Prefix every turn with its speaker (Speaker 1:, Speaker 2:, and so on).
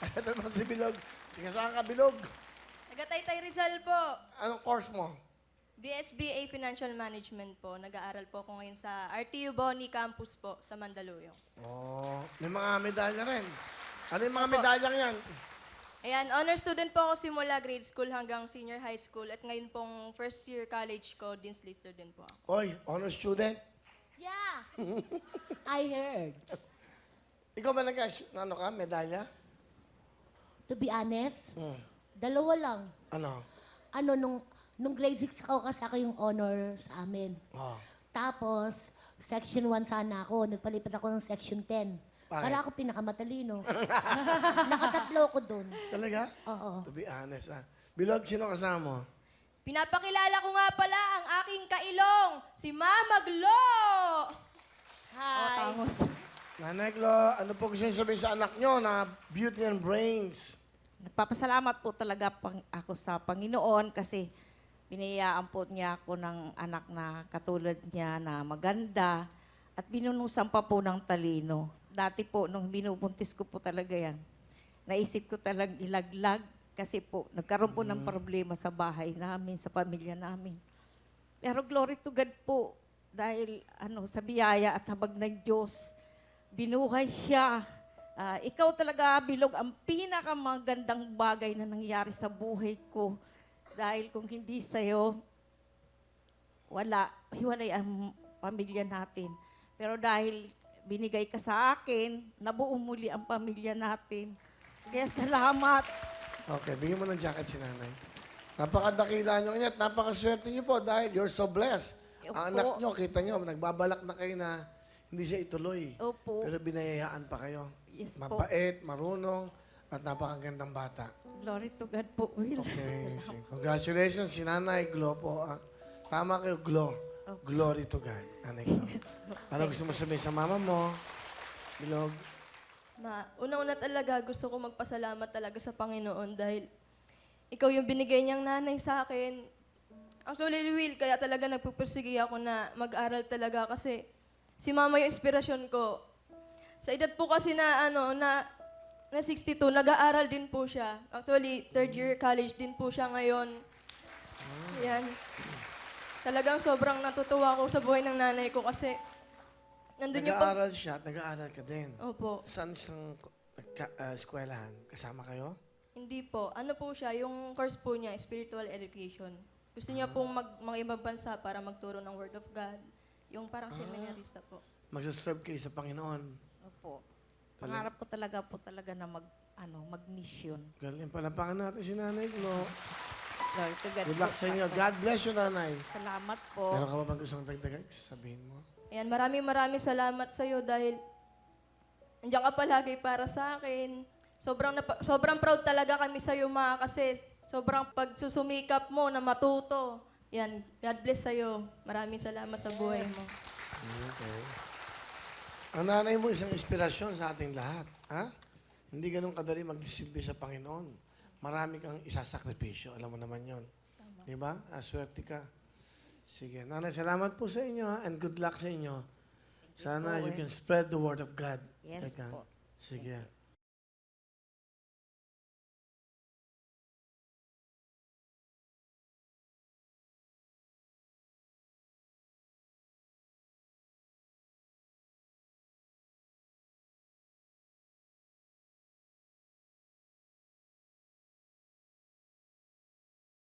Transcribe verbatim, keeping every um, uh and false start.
Speaker 1: Ito naman si Bilog. Tingnan saan ka, Bilog?
Speaker 2: Taga-Taytay Rizal po.
Speaker 1: Anong course mo?
Speaker 2: B S B A Financial Management po. Nag-aaral po ako ngayon sa R T U Boni Campus po sa Mandaluyong.
Speaker 1: Oh, may mga medalya rin. Ano yung mga
Speaker 2: Opo.
Speaker 1: medalyang yan?
Speaker 2: Ayan, honor student po ako simula grade school hanggang senior high school. At ngayon pong first year college ko, Dean's Lister din po ako.
Speaker 1: Oy, honor student.
Speaker 3: Yeah. I heard.
Speaker 1: Ikaw ba nag ano ka, medalya?
Speaker 3: To be honest,
Speaker 1: Hmm.
Speaker 3: dalawa lang.
Speaker 1: Ano?
Speaker 3: Ano, nung, nung grade six ako, kasi ako yung honor sa amin.
Speaker 1: Oh.
Speaker 3: Tapos, section one sana ako. Nagpalipat ako ng section ten.
Speaker 1: Bakit?
Speaker 3: Para ako pinakamatalino. Nakatatlo ko dun.
Speaker 1: Talaga?
Speaker 3: Oo.
Speaker 1: To be honest, ah. Bilog, sino kasama mo?
Speaker 2: Pinapakilala ko nga pala ang aking kailong, si Mama Glo! Hi!
Speaker 1: Nanay Glo, ano po gusto niyo sabihin sa anak nyo na beauty and brains?
Speaker 4: Nagpapasalamat po talaga pang, ako sa Panginoon kasi binayaan po niya ako ng anak na katulad niya na maganda at binunusan pa po ng talino. Dati po, nung binubuntis ko po talaga yan, naisip ko talagang ilaglag kasi po, nagkaroon po ng problema sa bahay namin, sa pamilya namin. Pero glory to God po, dahil ano, sa biyaya at habag ng Diyos, binuhay siya. Ah, ikaw talaga, Bilog, ang pinakamagandang bagay na nangyari sa buhay ko. Dahil kung hindi sa'yo, wala, hiwalay ang pamilya natin. Pero dahil binigay ka sa akin, nabuo muli ang pamilya natin. Kaya salamat.
Speaker 1: Okay, bigyan mo ng jacket si nanay. Napakadakila nyo niya at napakaswerte nyo po dahil you're so blessed.
Speaker 4: Opo.
Speaker 1: Ang anak nyo, kita nyo, nagbabalak na kayo na hindi siya ituloy.
Speaker 4: Opo.
Speaker 1: Pero binayayaan pa kayo.
Speaker 4: Yes po.
Speaker 1: Mabait, marunong, at napakagandang bata.
Speaker 4: Glory to God po, Will.
Speaker 1: Okay, sige. Congratulations, si Nanay Glo po. Ah. Tama kayo, Glo. Glory to God. Nanay Glo. Ano gusto mo sabihin sa mama mo? Bilog.
Speaker 2: Ma, una-una talaga gusto ko magpasalamat talaga sa Panginoon dahil ikaw yung binigay niyang nanay sa akin. Actually, Will, kaya talaga nagpupursige ako na mag-aral talaga kasi si mama yung inspirasyon ko. Sa edad po kasi na, ano, na, na sixty-two, nag-aaral din po siya. Actually, third year college din po siya ngayon. Yan. Talagang sobrang natutuwa ako sa buhay ng nanay ko kasi nandun yung pag...
Speaker 1: Nag-aaral siya at nag-aaral ka din.
Speaker 2: Opo.
Speaker 1: Saan siyang ka, ah, eskwelahan? Kasama kayo?
Speaker 2: Hindi po. Ano po siya, yung course po niya, spiritual education. Gusto niya pong mag, mga ibang bansa para magturo ng Word of God. Yung parang seminarista po.
Speaker 1: Magsaserve kayo sa Panginoon.
Speaker 4: Opo. Pangarap ko talaga po talaga na mag, ano, mag-mission.
Speaker 1: Galing, palapakan natin si Nanay Glo.
Speaker 4: Glory to God
Speaker 1: Good
Speaker 4: po,
Speaker 1: luck sa inyo.
Speaker 4: Pastor.
Speaker 1: God bless you, Nanay.
Speaker 4: Salamat po.
Speaker 1: Meron ka ba bang gustong dagdagan? Sabihin mo.
Speaker 2: Ayan, maraming maraming salamat sa iyo dahil andiyan ka palagi para sa akin. Sobrang, napa- sobrang proud talaga kami sa iyo, ma, kasi sobrang pagsusumikap mo na matuto. Yan, God bless sa iyo. Maraming salamat sa buhay mo.
Speaker 1: Okay. Ang nanay mo isang inspirasyon sa ating lahat. Ha? Hindi ganun kadali magdisilbi sa Panginoon. Marami kang isasakripisyo. Alam mo naman yon. Di ba? Aswerte ka. Sige. Nanay, salamat po sa inyo ha? And good luck sa inyo. Sana you can spread the word of God.
Speaker 4: Yes
Speaker 1: Teka.
Speaker 4: po.
Speaker 1: Sige.